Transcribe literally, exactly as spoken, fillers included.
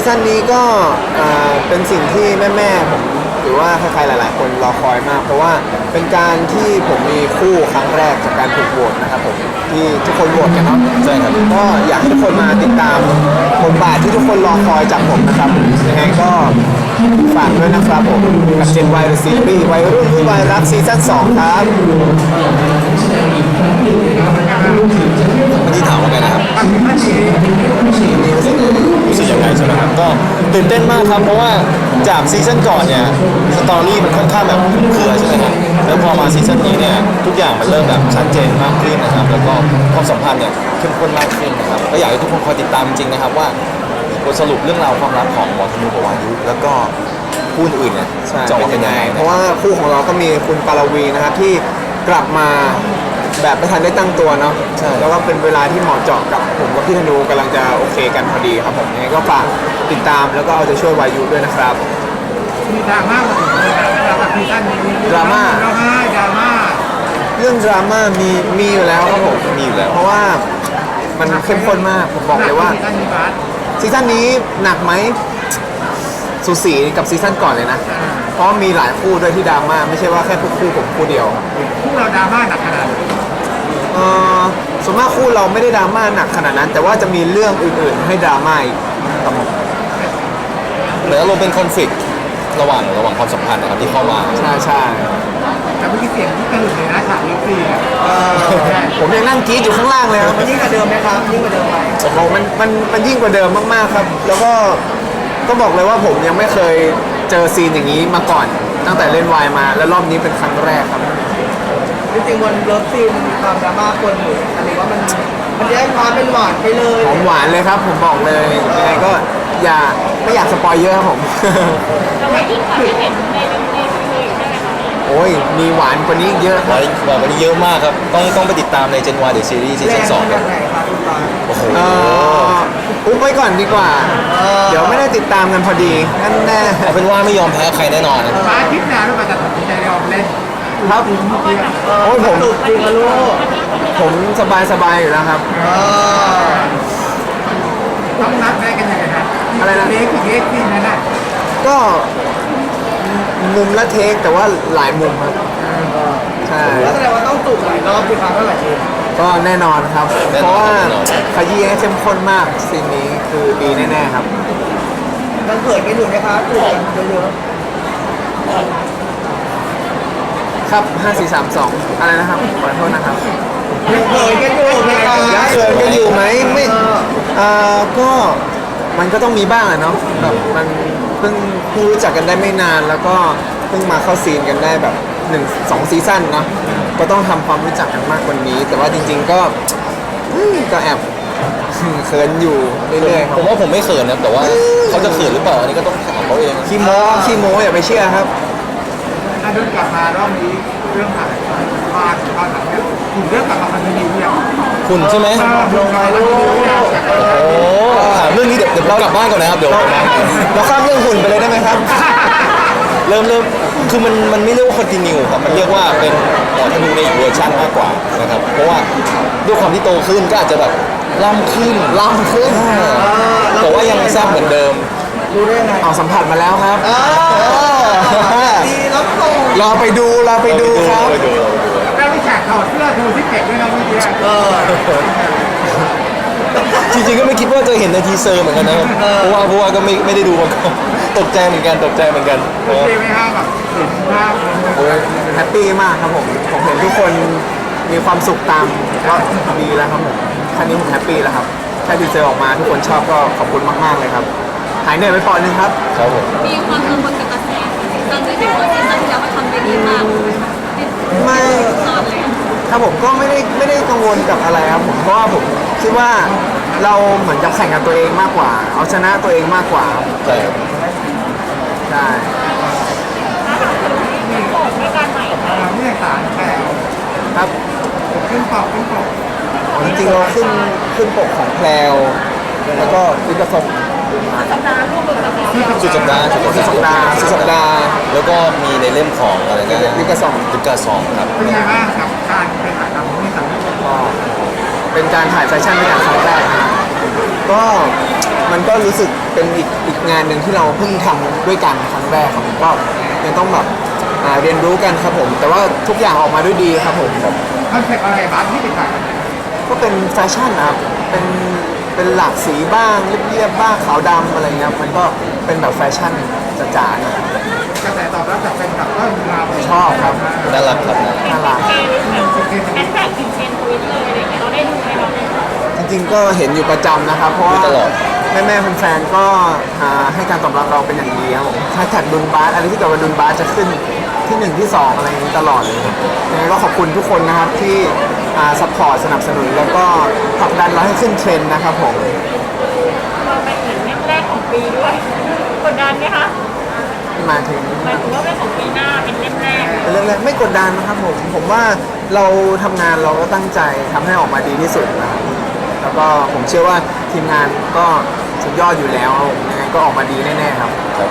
ซั่นนี้ก็เป็นสิ่งที่แม่ๆผมหรือว่าใครๆหลายๆคนรอคอยมากเพราะว่าเป็นการที่ผมมีคู่ครั้งแรกจากการถูกโหวตนะครับผมที่ทุกคนโหวตกันเนาะใช่ครับก็อยากให้ทุกคนมาติดตามบทบาทที่ทุกคนรอคอยจากผมนะครับยังไงก็ฝากด้วยนะครับผมกับ Gen Y The Series วัยรุ่นที่วัยรักซีซั่นสองครับที่ถามว่าไงนะครับรู้สึกยังไงใช่ไหมครับก็ตื่นเต้นมากครับเพราะว่าจากซีซั่นก่อนเนี่ยสตอรี่มันค่อนข้างแบบเครือใช่ไหมครับแล้วพอมาซีซั่นนี้เนี่ยทุกอย่างมันเริ่มแบบชัดเจนมากขึ้นนะครับแล้วก็ความสัมพันธ์เนี่ยเข้มข้นมากขึ้นนะครับก็อยากให้ทุกคนคอยติดตามจริงๆนะครับว่าบทสรุปเรื่องราวความรักของหมอธนูกับวายุแล้วก็คู่อื่นเนี่ยจะออกเป็นยังไงเพราะว่าคู่ของเราก็มีคุณปารวีนะครับที่กลับมาแบบไม่ทันได้ตั้งตัวเนาะใช่แล้วก็เป็นเวลาที่เหมาะเจาะกับผมกับพี่ธนูกำลังจะโอเคกันพอดีครับผมยังไงก็ฝากติดตามแล้วก็เอาใจช่วยวายุด้วยนะครับมีดราม่ามาถึงเลยนะดราม่าซีซั่นนี้ดราม่าดราม่าดราม่าเรื่องดราม่ามีมีอยู่แล้วครับผมมีอยู่แล้วเพราะว่ามันเข้มข้นมากผมบอกเลยว่าซีซั่นนี้หนักไหมสูสีกับซีซั่นก่อนเลยนะเพราะมีหลายคู่ด้วยที่ดราม่าไม่ใช่ว่าแค่คู่คู่ผมคู่เดียวคู่เราดราม่าหนักขนาดไหนเออส่วนมากคู่เราไม่ได้ดราม่าหนักขนาดนั้นแต่ว่าจะมีเรื่องอื่นๆให้ดราม่าอีกครับผมเหมือนอารมณ์เป็นคอนฟ lict ระหว่างระหว่างความสัมพันธ์นะครับที่เข้ามาใช่ใช่แต่เมื่อกี้เสียงที่กระหึ่มเลยนะฉากเลิฟซีนผมยังนั่งกรี๊ดอยู่ข้างล่างเลยครับมันยิ่งกว่าเดิมไหมครับยิ่งกว่าเดิมไหมโอ้โหมันมันมันยิ่งกว่าเดิมมากๆครับแล้วก็ก็บอกเลยว่าผมยังไม่เคยเจอซีนอย่างนี้มาก่อนตั้งแต่เล่นวายมาแล้วรอบนี้เป็นครั้งแรกครับจริงๆวันเลิฟซีนมีความดราม่าคนอยู่อะไรว่ามันมันแยกความเป็นหวานไปเลยหอมหวานเลยครับผมบอกเลยยังไงก็อย่าไม่อยากสปอยเยอะครับผมเราไม่ยิ่งกว่าที่เห็นในในในเลยใช่ไหมคะโอ้ยมีหวานกว่านี้เยอะครับหวานกว่านี้เยอะมากครับต้องต้องไปติดตามใน Gen Y The Series ซีซั่นสองครับโอ้โหอุ๊บไว้ก่อนดีกว่าเดี๋ยวไม่ได้ติดตามกันพอดีนั่นแน่เอาเป็นว่าไม่ยอมแพ้ใครแน่นอนมาคิดนานแล้วมาจะตัดสินใจยอมเล่นครับโอ้ยผมจริงลูกผมสบายสบายอยู่แล้วครับต้องนัดได้กันยังไงครับอะไรนะเล็กเล็กที่นั่นน่ะก็มุมละเทคแต่ว่าหลายมุมครับใช่แล้วแสดงว่าต้องจูบหลายรอบที่ครั้งเท่าไหร่ทีก็แน่นอนครับเพราะว่าขยี้ให้เข้มข้นมากซีนนี้คือดีแน่ๆครับมันเกิดกันอยู่นะครับจูบกันเยอะครับห้า สี่ สาม สองอะไรนะครับขอโทษนะครับยังเขินกันอยู่ไหมครับยังเขินกันอยู่ไหมไม่เอ่อก็มันก็ต้องมีบ้างอะเนาะแบบมันเพิ่งเพิ่งรู้จักกันได้ไม่นานแล้วก็เพิ่งมาเข้าซีนกันได้แบบหนึ่งสองซีซั่นเนาะก็ต้องทำความรู้จักกันมากกว่านี้แต่ว่าจริงๆก็ก็แอบเขินอยู่เรื่อยๆผมว่าผมไม่เขินนะแต่ว่าเขาจะเขินหรือเปล่าอันนี้ก็ต้องถามเขาเองขี้โม้ขี้โม้อย่าไปเชื่อครับถ้าเดินกลับมารอบนี้เรื่องผ่านผ่านผ่านเรื่องคุณเรื่องกลับมาพันธมิตรเนี่ยคุณใช่ไหมลงไปลูกโอ้ถามเรื่องนี้เดี๋ยวเดี๋ยวเรากลับบ้านก่อนนะครับเดี๋ยวเราข้ามเรื่องหุ่นไปเลยได้ไหมครับเริ่มเริ่มคือมันมันไม่เรียกว่าคอนติเนียครับมันเรียกว่าเป็นหมอธนูในอีกเวอร์ชันมากกว่านะครับเพราะว่าด้วยความที่โตขึ้นก็อาจจะแบบล่ำขึ้นล่ำขึ้นแต่ว่ายังแซ่บเหมือนเดิมดูได้ไงเอาสัมผัสมาแล้วครับดีแล้วส่งรอไปดูรอไปดูครับแล้วมีฉากถอดเสื้อดูที่เก็บด้วยนะเมื่อกี้จริงๆก็ไม่คิดว่าจะเห็นในทีเซอร์เหมือนกันนะครับเพราะว่าเพราะว่าก็ไม่ไม่ได้ดูมาก่อนตกใจเหมือนกันตกใจเหมือนกันโอเคไหมครับแบบเห็นภาพโอ้ยแฮปปี้มากครับผมผมเห็นทุกคนมีความสุขตามก็ดีแล้วครับผมแค่นี้ผมแฮปปี้แล้วครับแค่ทีเซอร์ออกมาทุกคนชอบก็ขอบคุณมากๆเลยครับหายเหนื่อยไปปอนนึงครับครับผมมีความกังวลกับกระแสตอนที่เราซีซั่นที่แล้วมันทำได้ดีมากไม่ครับผมก็ไม่ได้ไม่ได้กังวลกับอะไรครับผมเพราะว่าผมคิดว่าเราเหมือนกับแข่งกับตัวเองมากกว่าเอาชนะตัวเองมากกว่าใช่ใช่นี่สารแถวครับขึ้นปกขึ้นปกจริงๆเราขึ้นขึ้นปกของแพลวแล้วก็ลิขสิทธิ์สัปดาห์ร่วมมือกับสุดสัปดาห์สุดสัปดาห์สุดสัปดาห์แล้วก็มีในเล่มของอะไรนะลิขสิทธิ์ลิขสิทธิ์ครับเป็นไงบ้างกับการเป็นถ่ายทำนี่สำเร็จก็เป็นการถ่ายแฟชั่นเป็นอย่างครั้งแรกก็มันก็รู้สึกเป็นอีกอีกงานหนึ่งที่เราเพิ่งทำด้วยกันครั้งแรกครับผมก็ยังต้องแบบอ่าเรียนรู้กันครับผม แต่ว่าทุกอย่างออกมาด้วยดีครับผมคอนเซ็ปต์อะไรบ้างที่เป็นแบบก็เป็นแฟชั่นนะครับ เป็นเป็นหลากสีบ้างเรียบๆบ้างขาวดำอะไรเงี้ยมันก็เป็นแบบแฟชั่นจ๋าๆนะครับกระแสตอบรับจากแฟนคลับก็เราชอบครับน่ารักครับน่ารักเทรนแบบแฮชแท็กติดเทรนทวิตเลยอะไรอย่างเงี้ยเราได้ดูไหมเราได้ดูจริงๆก็เห็นอยู่ประจำนะครับ เพราะว่าตลอดแม่ๆแฟนๆก็อ่าให้การตอบรับเราเป็นอย่างดีครับผมแฮชแท็กดุนบาสอะไรที่เกี่ยวกับดุนบาสจะขึ้นที่หนึ่งที่สองอะไรอย่างนี้ตลอดเลยครับยังไงก็ขอบคุณทุกคนนะครับที่ซัพพอร์ตสนับสนุนแล้วก็ผลักดันเราให้ขึ้นเทรนด์นะครับผมเราเป็นเหมือนเล่มแรกของปีด้วยกดดันไหมคะมาถึงหมายถึงว่าเป็นของปีหน้าเป็นเล่มแรกเป็นเรื่องแรกไม่กดดันนะครับผมผมว่าเราทำงานเราก็ตั้งใจทำให้ออกมาดีที่สุดนะครับแล้วก็ผมเชื่อว่าทีมงานก็สุดยอดอยู่แล้วยังไงก็ออกมาดีแน่ๆครับครับ